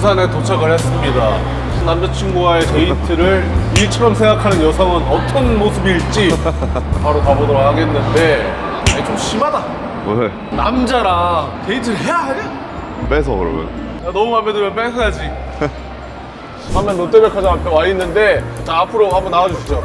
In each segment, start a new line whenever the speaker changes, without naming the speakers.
부산에 도착을 했습니다. 남자친구와의 데이트를 일처럼 생각하는 여성은 어떤 모습일지 바로 가보도록 하겠는데 아니 좀 심하다.
왜?
남자랑 데이트를 해야 하냐?
뺏어 그러면.
야, 너무 마음에 들면 뺏어야지. 화면 롯데백화점 앞에 와 있는데 자 앞으로 한번 나와주시죠.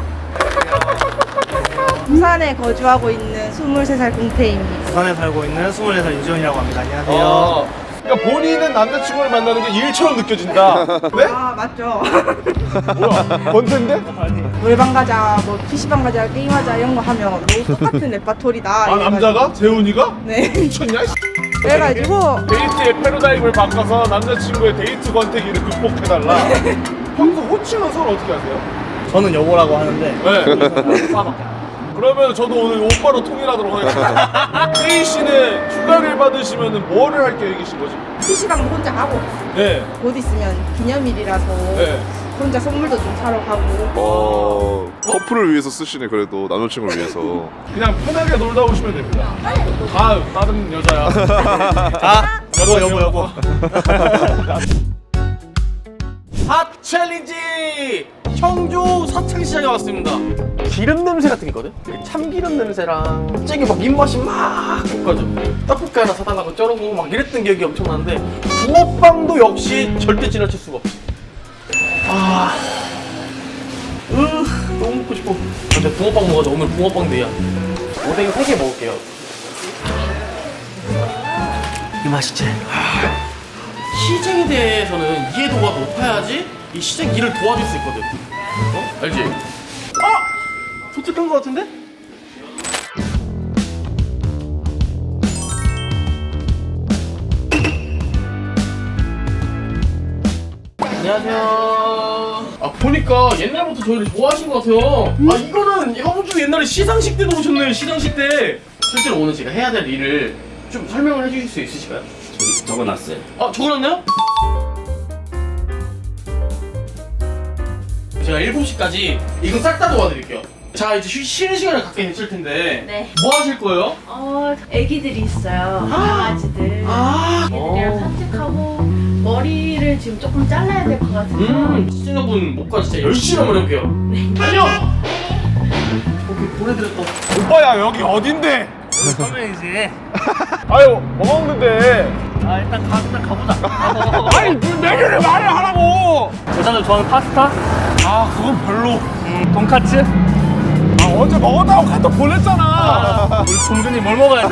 부산에 거주하고 있는 23살 공태입니다.
부산에 살고 있는 24살 유지원이라고 합니다. 안녕하세요.
그러니까 본인은 남자친구를 만나는 게 일처럼 느껴진다. 네?
아 맞죠.
뭐야? 번텐데?
노래방 가자, 뭐 PC방 가자, 게임하자 이런 거 하면 너무 똑같은 레파토리다.
아
이래가지고.
남자가? 재훈이가?
네.
미쳤냐?
그래가지고
데이트의 패러다임을 바꿔서 남자친구의 데이트 권태기를 극복해달라. 평소 호칭은 서로 어떻게 하세요?
저는 여보라고 하는데
네. 그러면 저도 오늘 오빠로 통일하도록 하겠습니다. 혜희 씨는 휴가를 받으시면 뭐를 할 계획이신 거죠?
PC방도 혼자 가고
네.
곧 있으면 기념일이라서
네.
혼자 선물도 좀 사러 가고.
커플을 위해서 쓰시네 그래도 남자친구를 위해서.
그냥 편하게 놀다 오시면 됩니다. 아, 다른 여자야.
아 여보
핫 챌린지! 청주 사창시장에 왔습니다. 기름 냄새 같은 게 있거든? 참기름 냄새랑 갑자기 막 입맛이 막 돋가죠. 떡볶이 하나 사달라고 쩔어보고 막 이랬던 기억이 엄청나는데 붕어빵도 역시 절대 지나칠 수가 없어. 너무 먹고 싶어. 진짜 붕어빵 먹어서 오늘 붕어빵 데이야. 오뎅 3개 먹을게요. 이 맛이지? 시장에 대해서는 이해도가 높아야지 이 시장 일을 도와줄 수 있거든. 어? 알지? 아! 도착한 것 같은데? 안녕하세요. 아 보니까 옛날부터 저희를 좋아하신 것 같아요. 아 이거는 형주 옛날에 시상식 때도 오셨네요. 시상식 때. 실제로 오늘 제가 해야 될 일을 좀 설명을 해주실 수 있으실까요?
적어놨어요.
아 적어놨나요? 제가 7시까지 이거 싹 다 도와드릴게요. 자 이제 쉬는 시간을 갖게 됐을 텐데
네.
뭐 하실 거예요?
애기들이 있어요. 강아지들.
아
애기들이랑 산책하고 머리를 지금 조금 잘라야 될 것 같아서.
시청자분 목과 진짜 열심히 한번 해볼게요. 안녕! 오케이 보내드렸다.
오빠야, 여기 어딘데?
선배이지.
아유, 뭐 먹는데?
아 일단 가보자.
아니, 그 메뉴를 말을 하라고!
여자들 좋아하는 파스타,
아, 그건 별로.
돈까츠.
아, 어제 먹었다고 카톡 보냈잖아.
우리 동준이 뭘 먹어야 돼?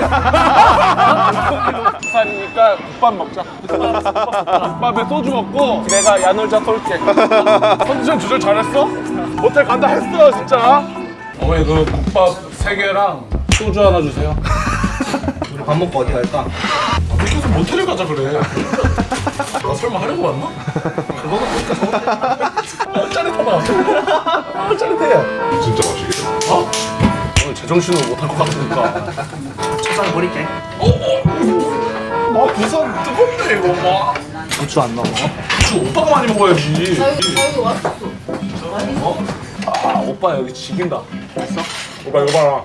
부산이니까 국밥 먹자. 국밥에 소주 먹고 내가 야놀자 쏠게. 컨디션 조절 잘했어? 모텔 간다 했어 진짜. 어머니 그 국밥 3개랑 소주 하나 주세요.
우리 밥 먹고 어디 갈까?
계속 모텔을 가자 그래. 나 설마 하려고 왔나? 그거는 보니까 짜릿하다. 짜릿해.
진짜 맛있겠다.
어? 오늘 제정신으로 못할 것 같으니까.
초장 버릴게.
아 부산 뜨겁네 이거 막.
고추 안 넣어.
주 오빠가 많이 먹어야지.
저희 왔어.
아 오빠 여기 지긴다. 됐어? 오빠 이거 봐라.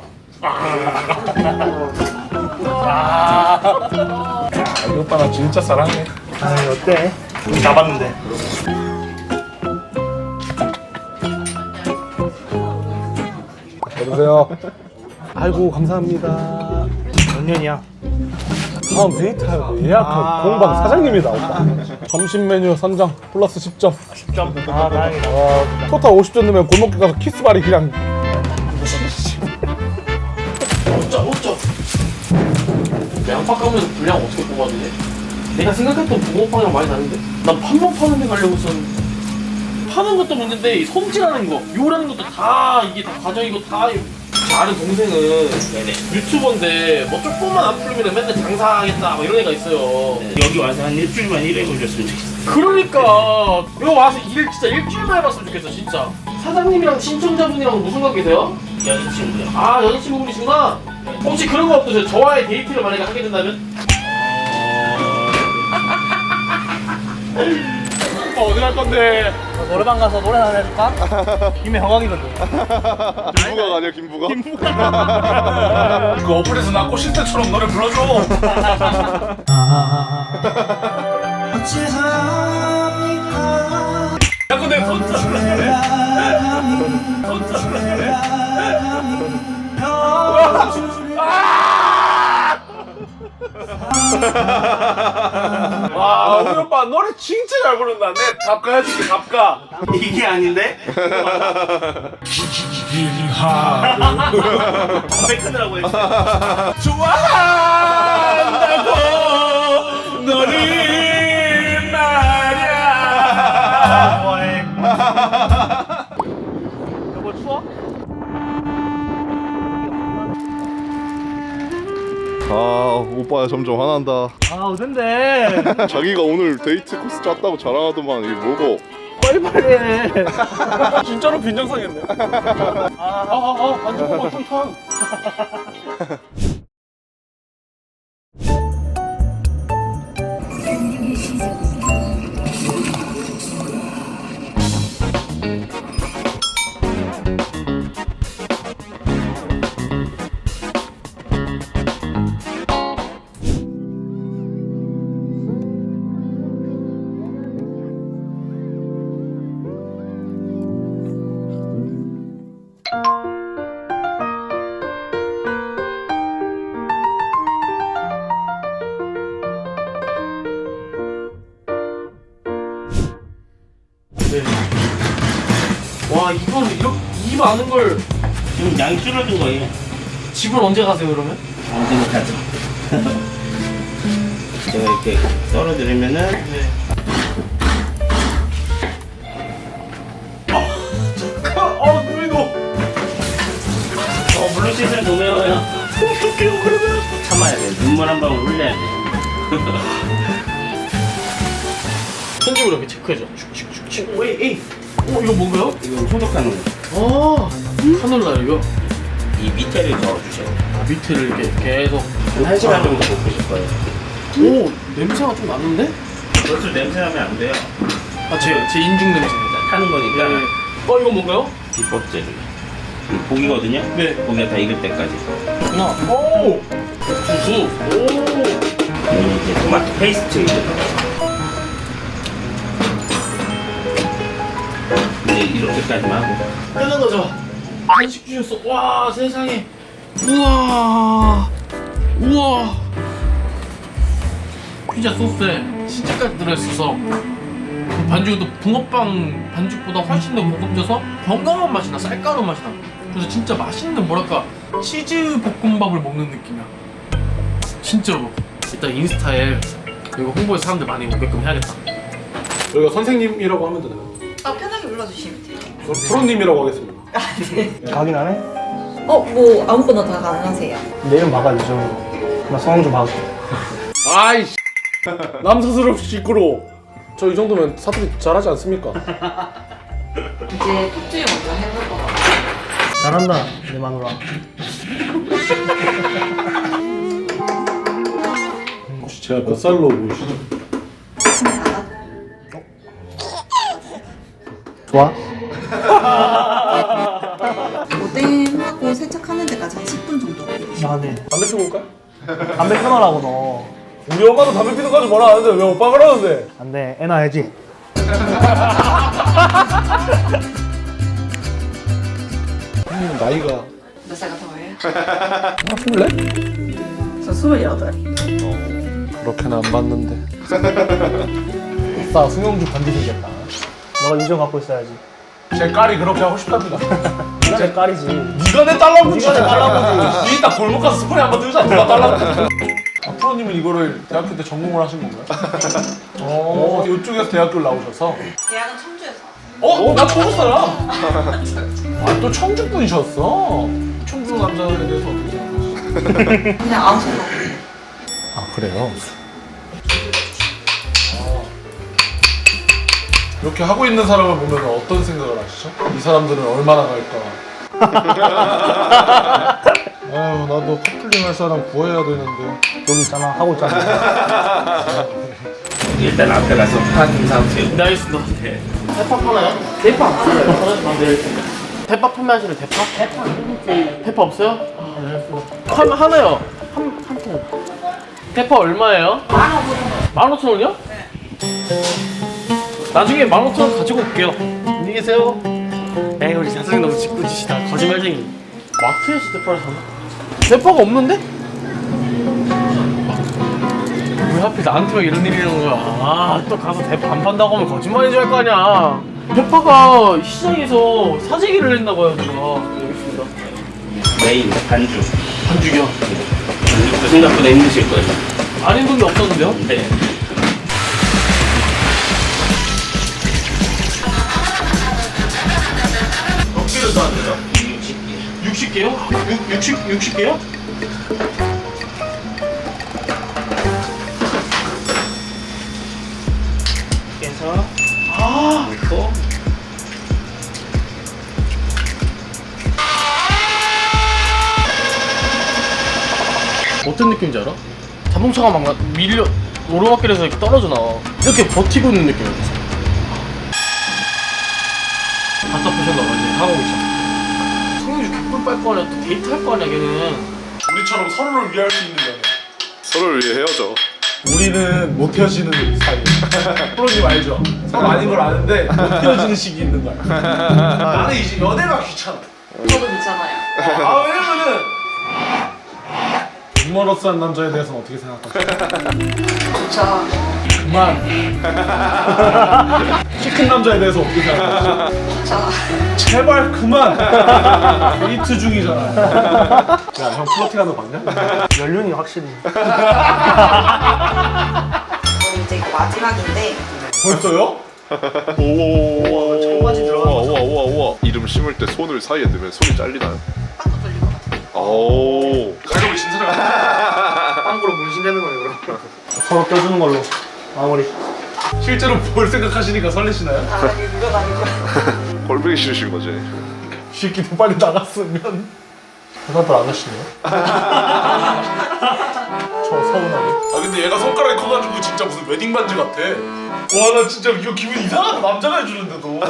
이 오빠 나 진짜 사랑해.
아 어때? 우리 잡았는데.
여보세요. 아이고 감사합니다.
몇 년이야?
다음 데이트하고 예약한 공방 사장님이다 오빠. 점심 메뉴 선정 플러스 10점.
10점. 아 다행이다.
토탈 50점 넣으면 골목길 가서 키스바리 그냥.
어쩌 양파 까면 분량 어떻게 뽑아주지? 내가 생각했던 붕어빵이랑 많이 다른데? 난 팥만 파는 데 가려고 했었는데 파는 것도 문제인데 이 손질하는 거 요라는 것도 다 이게 다 과정이고 다 제 아는 동생은 유튜버인데 뭐 조금만 안 풀리면 맨날 장사하겠다 막 이런 애가 있어요.
여기 와서 한 일주일만 일해 보셨으면 좋겠어요.
그러니까 이거 와서 일 진짜 일주일만 해봤으면 좋겠어 진짜. 사장님이랑 신청자분이랑 무슨 관계세요?
여자친구요.
아 여자친구분이시구나. 혹시 그런 거 없으세요? 저와의 데이트를 만약에 하게 된다면?
오빠 어디 갈 건데?
노래방 가서 노래 하나 해줄까? 김해 허강이거든.
김부각 아니야 김부각?
그 어플에서 나 꼬실 때처럼 노래 불러줘.
어째서
와 우리 오빠 노래 진짜 잘 부른다. 내 갑가 해줄게 갑가.
이게 아닌데? 담배 끊으라고 했어.
좋아한다고 너를 말야.
좋아해. 여보 추워?
아 오빠 점점 화난다.
아 어딘데?
자기가 오늘 데이트 코스 짰다고 자랑하더만 이게 뭐고?
빨리빨리 해.
진짜로 빈정상했네. 반죽 탕탕.
와 이걸 이렇게 이 많은 걸
지금 양이 줄어든 거예요.
집을 언제 가세요 그러면?
언제나 가죠. 제가 이렇게 썰어드리면은
네.
눈이 녹.
물로 씻을 동해요. 어떡해요 그러면? 참아야 돼. 눈물 한 방울 흘려야 돼.
편집으로 이렇게 체크해줘. 축축축축. 오 에이. 이거 뭔가요?
이거 소독하는 거.
카놀라 이거.
이 밑에를 저어주셔야 돼요.
밑에를 이렇게 계속.
한 1시간 정도 볶으실 거예요.
오 냄새가 좀 나는데?
그것도 냄새나면 안 돼요.
제 인중 냄새입니다.
타는 거니까
이거 뭔가요?
비법 재료. 고기거든요.
네.
고기가 다 익을 때까지.
하나. 오. 두수. 오.
여기 이제 토마토 페이스트 이제 이렇게까지만 하고.
끝난 거죠. 간식 주셨어. 와 세상에. 우와. 피자 소스에 치즈까지 들어있어서 반죽도 붕어빵 반죽보다 훨씬 더 고급져서 건강한 맛이 나. 쌀가루 맛이 나. 그래서 진짜 맛있는 뭐랄까 치즈 볶음밥을 먹는 느낌이야. 진짜로. 일단 인스타에 이거 홍보해서 사람들 많이 오게끔 해야겠다.
여기가 선생님이라고 하면 되나요?
편하게 불러주시면 돼요.
프로님이라고 하겠습니다.
가긴 하네?
뭐 아무거나 다 가능하세요.
내 이름 막아주죠. 나 성함 좀 막을게.
아이씨. 남사스럽게 시끄러워. 저 이 정도면 사투리 잘하지 않습니까?
이제 톡주에 먼저 해볼 것 같아요.
잘한다 내 마누라.
혹시 제가 몇 살로 보이시죠?
좋아?
오뎅하고 세척하는 데까지 한 10분 정도 걸리죠.
아 네.
담배 피고 올까?
담배 끊어라고 너.
우리 엄마도 담배 피는 거지 뭐라 하는데 왜 오빠 그러는데?
안돼 애 낳아야지.
형님 나이가
몇 살 같아 보여요?
바꿀래?
저 28.
그렇게는 안 봤는데. 아싸 승용주 반지 생겼다.
너가 유정 갖고 있어야지.
제 딸이 그렇게 하고 싶답니다.
네가 내 딸이지.
네가 내 딸라보지. 네가 내 딸라보지. 니 이따 골목 가서 스프레이 한번 들자. 누가 딸라보지. 프로님은 이거를 대학교 때 전공을 하신 건가요? 이쪽에서 대학교를 나오셔서.
대학은 청주에서.
나 청주 사람. 또 청주 분이셨어. 청주 남자에 대해서 어떻게 생각하시죠?
그냥 아무 생각 없어요.
그래요? 이렇게 하고 있는 사람을 보면 어떤 생각을 하시죠? 이 사람들은 얼마나 갈까? 아유 나도 커플링 할 사람 구해야 되는데.
여기 있잖아 하고 있잖아.
일단 앞에 가서 판 사오세요.
네 알겠습니다.
네.
대파 하나요? 대파 없어요. 네. 대파 판매하시는 대파? 대파 없어요? 네 알겠습니다. 하나요. 한 통. 대파 얼마예요? 15,000원이요? 네. 나중에 15,000원 가지고 올게요. 안녕히 계세요. 에이 우리 사장 너무 짓궂으시다 거짓말쟁이. 마트에서 대파를 사나? 대파가 없는데? 왜 하필 나한테만 이런 일이 있는 거야? 아 또 가서 대파 안 판다고 하면 거짓말인 줄 알 거 아니야. 대파가 시장에서 사재기를 했나 봐요 제가. 여기 있습니다.
메인 반죽.
반죽이요?
반죽도 생각보다 힘드실 거예요.
안 힘든 게 없었는데요?
네.
몇 개를 사야 되죠? 60개. 60개요? 60개요?
그래서
아
넣고
어떤 느낌인지 알아? 자동차가 막 밀려 오르막길에서 이렇게 떨어져 나와. 이렇게 버티고 있는 느낌이었어. 답답하셨나 봐 이제 하고 있어. 성윤주 개꿀 빨 거 아니야. 또 데이트 할 거 아니야 걔는.
우리처럼 서로를 위할 수 있는 연애.
서로를 위해 헤어져.
우리는 못 헤어지는 사이. 프로님 알죠? 서로 아닌 걸 아는데 못 헤어지는 시기 있는 거야. 나는 이제 연애가 귀찮아.
저도 있잖아요.
아 왜냐면은 유머러스한 남자에 대해서는 어떻게 생각하세요?
저
그만. 키 큰 남자에 대해서 어떻게 생각하세요? 제발 그만. 데이트 중이잖아. 야형 플러팅하는 거 봤냐?
연륜이 확실히.
이제 이거 마지막인데
벌써요?
오.
청바지 들어가는 거죠?
우와 우와. 이름 심을 때 손을 사이에 넣으면 손이 잘리나요?
빵도 돌릴 것 같아요.
오.
가려고 진짜 같아.
빵구로 문신되는 거예요 그럼. 서로 껴주는 걸로 마무리.
실제로 볼 생각하시니까 설레시나요?
아 이게 누가 다니고.
꼴보기 싫으신 거지.
새끼도 빨리 나갔으면.
대답을 안 하시네요. 저 서운하게.
아 근데 얘가 손가락이 커가지고 진짜 무슨 웨딩 반지 같아. 와 나 진짜 이거 기분 이상하다. 남자가 해주는데도.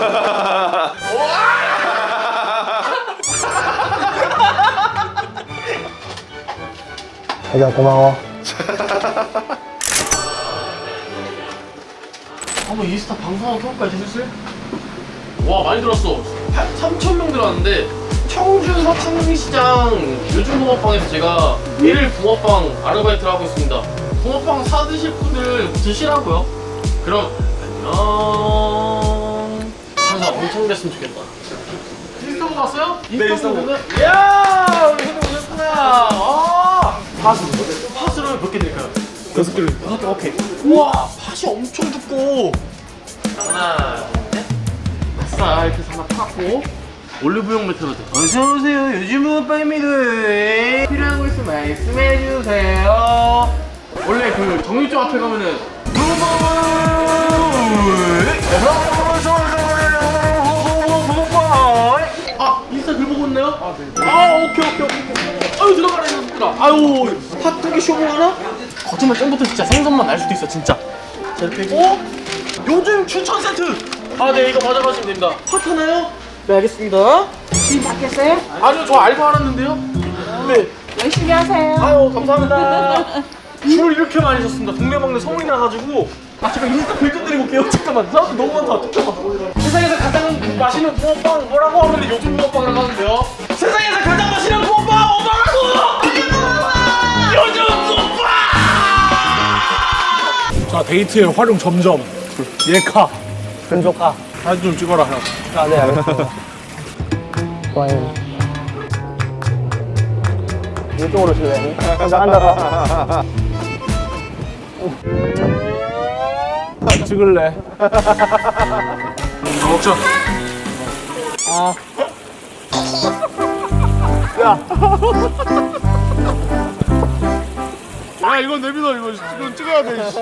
자기야 고마워.
한번 인스타 방송 한번 켜볼까요, 슬슬? 와, 많이 들었어. 3,000명 들어왔는데 청주 서창시장 요즘 붕어빵에서 제가 일일 붕어빵 아르바이트를 하고 있습니다. 붕어빵 사드실 분들 드시라고요. 그럼 안녕. 장사 엄청 됐으면 좋겠다. 인스타 보고 왔어요? 인스타 보고 왔어요? 이야, 우리 형님 오셨구나. 아, 팥으로 몇 개 드릴까요? 6개. 6개, 오케이. 우와, 팥이 엄청 두꺼워. 하나, 셋. 아싸, 이렇게 해서 하나 팠고 올리브영 메테로 돼. 어서오세요. 요즘 붕어빵입니다. 필요한 거 있으면 말씀해주세요. 원래 그 정육점 앞에 가면은 아, 인스타 글 보고 있나요? 아, 네. 아, 오케이. 아유, 들어가라, 이놈들아. 아유, 팥 두 개 쇼핑하나? 거짓말 짱부터 진짜 생선만 날 수도 있어, 진짜. 자, 이렇게 하고. 요즘 추천 세트! 아, 네, 이거 가져가시면 됩니다. 팥 하나요? 네, 알겠습니다.
지금 바뀌었어요?
아니요, 저 알바 알았는데요? 네.
열심히 하세요.
아유, 감사합니다. 줄을 이렇게 많이 섰습니다. 동네방네 성인이 나가지고. 아, 제가 인스타 글 좀 드리고 올게요. 잠깐만, 사람들 너무 많다. 잠깐만. 세상에서 가장 맛있는 붕어빵 뭐라고 하면 요즘 붕어빵이라고 하는데요. 세상에서 가장 맛있는 붕어빵 뭐라고! 요즘 붕어빵!
자 데이트의 활용 점점. 예카.
금조카.
사진 좀 찍어라 형.
아, 네 알겠습니다. 좋아요. 이쪽으로 줄래? 혼자 앉아서.
찍을래. 먹자.
아.
야 이건 내비둬 이거 지금 찍어야 돼.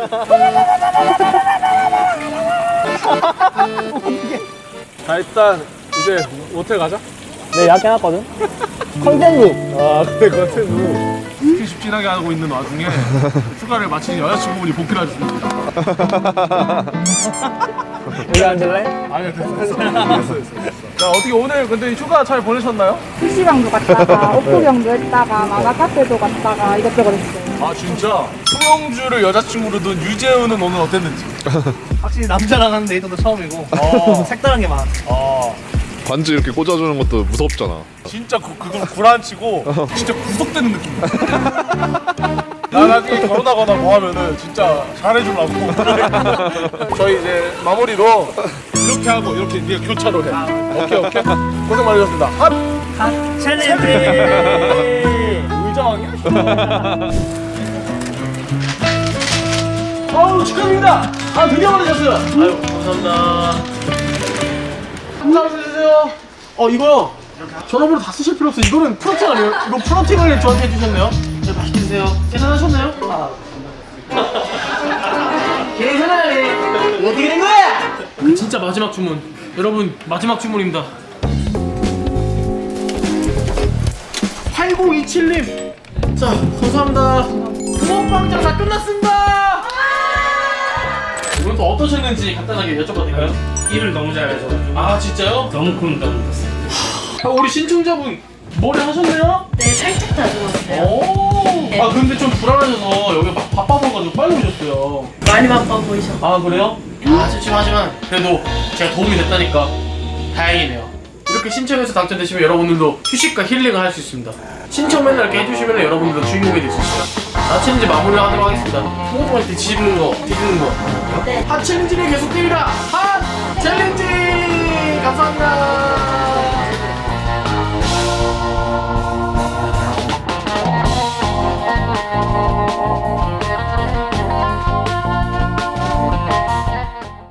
자 일단 이제 모텔 가자.
네, 약해놨거든? 컨텐츠!
아 근데 컨텐츠 스킨십진하게 하고 있는 와중에 휴가를 마친 여자친구분이 복귀를 하셨습니다.
여기 앉을래?
아니요 됐어. 자 어떻게 오늘 근데 휴가 잘 보내셨나요?
PC방도 갔다가 오프경도 했다가 만화 카페도 갔다가 이것저것 했어요.
아 진짜? 송영주를 여자친구로 둔 유재훈은 오늘 어땠는지?
확실히 남자랑 하는 데이트도 처음이고 색다른 게 많았어.
반지 이렇게 꽂아주는 것도 무섭잖아.
진짜 그걸 구란치고 진짜 구속되는 느낌이야. 나 나중에 결혼하거나 뭐 하면은 진짜 잘해주려고. 저희 이제 마무리로 이렇게 하고 이렇게 네가 교차로 해. 오케이 고생 많으셨습니다. 핫
챌린지.
의장이야? 아우 축하드립니다. 아 드디어 받으셨어요.
아유 감사합니다. 감사합니다. 이거요. 전화번호 다 쓰실 필요 없어. 이거는 프로팅 아니에요? 이거 프로팅을 저한테 해주셨네요. 네, 맛있게 드세요. 계산하셨나요? 계산하네. 어떻게 된 거야? 진짜 마지막 주문. 여러분 마지막 주문입니다. 8027님. 자 감사합니다. 붕어빵장 다 끝났습니다. 이건 또 어떠셨는지 간단하게 여쭤봐도 될까요?
일을 너무 잘해서
아 진짜요?
너무 못했어요.
우리 신청자분 머리 하셨네요?
네, 살짝 다듬었어요.
오. 아 근데 좀 불안하셔서 여기 막 바빠서가지고 빨리 오셨어요.
많이 바빠 보이셔.
아 그래요? 아 찜찜하지만 그래도 제가 도움이 됐다니까 다행이네요. 이렇게 신청해서 당첨되시면 여러분들도 휴식과 힐링을 할 수 있습니다. 신청 맨날 이렇게 해주시면 여러분들도 주인공이 될 수 있어요. 아 챌린지 마무리를 하도록 하겠습니다. 통통할 때 뒤집는 거.
네.
핫 챌린지는 계속됩니다. 핫 챌린지 감사합니다.